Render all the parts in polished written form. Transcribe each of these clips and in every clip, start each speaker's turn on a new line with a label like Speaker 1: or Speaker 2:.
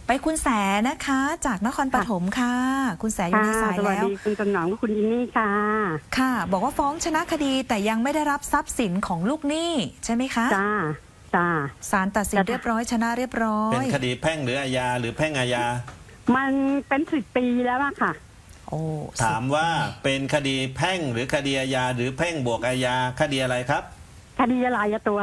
Speaker 1: ไปคุณแสนะคะจากนครปฐมค่ะคุณแสอยู่ในสายแล้ว
Speaker 2: สวัสดีคุณถนอมคุณยินนี่ค่ะ
Speaker 1: ค่ะบอกว่าฟ้องชนะคดีแต่ยังไม่ได้รับทรัพย์สินของลูกหนี้ใช่ไหมคะ
Speaker 2: จ้า
Speaker 1: ศาลตัดสินเรียบร้อยชนะเรียบร้อย
Speaker 3: เป็นคดีแพ่งหรืออาญาหรือแพ่งอาญา
Speaker 2: มันเป็น10 ปีแล้วอะค่ะ
Speaker 1: โอ้
Speaker 3: ถามว่าเป็นคดีแพ่งหรือคดีอาญาหรือแพ่งบวกอาญาคดีอะไรครับ
Speaker 2: คดีอะไรตัว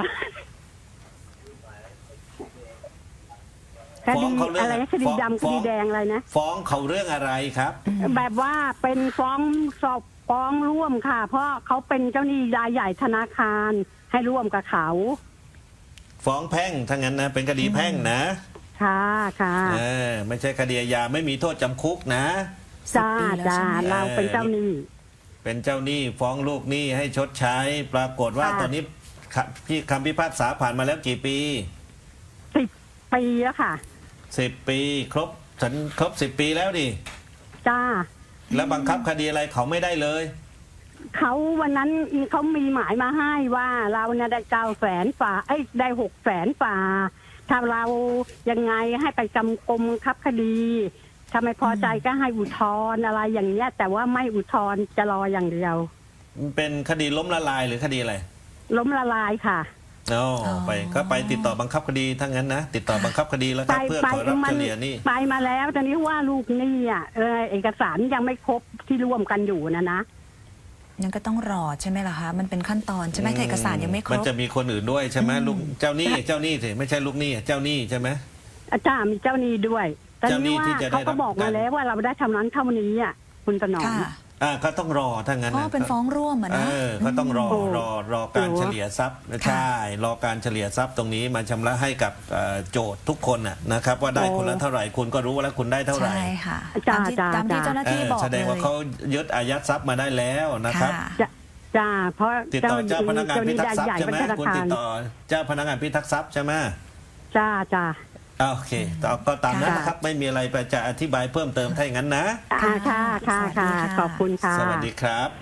Speaker 2: คดีอะไรคดีดำคดีแดงอะไรนะ
Speaker 3: ฟ้องเขาเรื่องอะไรครับ
Speaker 2: แบบว่าเป็นฟ้องสอบฟ้องร่วมค่ะ เพราะเขาเป็นเจ้าหนี้รายใหญ่ธนาคารให้ร่วมกับเขา
Speaker 3: ฟ้องแพ่งทั้งนั้นนะเป็นคดีแพ่งนะ
Speaker 2: ค่ะ
Speaker 3: ไม่ใช่คดีอาญาไม่มีโทษจำคุกนะ
Speaker 2: จ้าเราเป็นเจ้าหนี้
Speaker 3: เป็นเจ้าหนี้ฟ้องลูกหนี้ให้ชดใช้ปรากฏว่าตอนนี้พี่คำพิพากษาผ่านมาแล้วกี่ปี
Speaker 2: 10 ปีแล้วค่ะ
Speaker 3: 10 ปีครบ10 ปีแล้วดิ
Speaker 2: จ้า
Speaker 3: แล้วบังคับคดีอะไรเขาไม่ได้เลย
Speaker 2: เขาวันนั้นเขามีหมายมาให้ว่าเราเนี่ยได้900,000 ฝ่าได้600,000 ฝ่าถ้าเรายังไงให้ไปจำกรมคับคดีถ้าไม่พอใจก็ให้อุทธรณ์อะไรอย่างเงี้ยแต่ว่าไม่อุทธรณ์จะรออย่างเดียว
Speaker 3: เป็นคดีล้มละลายหรือคดีอะไร
Speaker 2: ล้มละลายค่ะ
Speaker 3: ไปติดต่อบังคับคดีทั้งนั้นนะติดต่อบังคับคดีแล้วครับเพื่อขอรับเฉลี่ยนี่
Speaker 2: ไปมาแล้วตอนนี้ว่าลูกหนี้เอกสารยังไม่ครบที่ร่วมกันอยู่นะ
Speaker 1: ยังก็ต้องรอใช่ไหมล่ะคะมันเป็นขั้นตอนใช่ไหมเอกสารยังไม่ครบ
Speaker 3: มันจะมีคนอื่นด้วยใช่ไหมลูกเจ้าหนี้สิไม่ใช่ลูกหนี้เจ้าหนี้ใช่ไหม
Speaker 2: อาจารย์มีเจ้าหนี้ด้วยแต่นี่ว่าเขาก็บอกมาแล้วว่าเราได้ทำนั้นเท่านี้คุณถนอม
Speaker 3: ก็ต้องรอถ้างั้น
Speaker 1: นะเป็นฟ้องร่วมนะ
Speaker 3: ก็ต้องรอการเฉลี่ยทรัพย์ใช่รอการเฉลี่ยทรัพย์ตรงนี้มาชำระให้กับโจทย์ทุกคนนะครับว่าได้คนละเท่าไหร่คุณก็รู้ว่าแล้วคุณได้เท่าไหร่
Speaker 1: ใช่ค่ะตามที่เจ้าหน้าที่บอก
Speaker 3: แสดงว่าเขายึดอายัดทรัพย์มาได้แล้วนะครับ
Speaker 2: จ้าเพราะ
Speaker 3: ติดต่อเจ้าพนักงานพิทักษ์ทรัพย์ใช่ไหมคุณติดต่อเจ้าพนักงานพิทักษ์ทรัพย์ใช่ไหม
Speaker 2: จ้า
Speaker 3: โอเคก็ตามนั้นนะครับไม่มีอะไรไปจะอธิบายเพิ่มเติมถ้าอย่างนั้นนะ
Speaker 2: ค่ะขอบคุณค่ะ
Speaker 3: สวัสดีครับ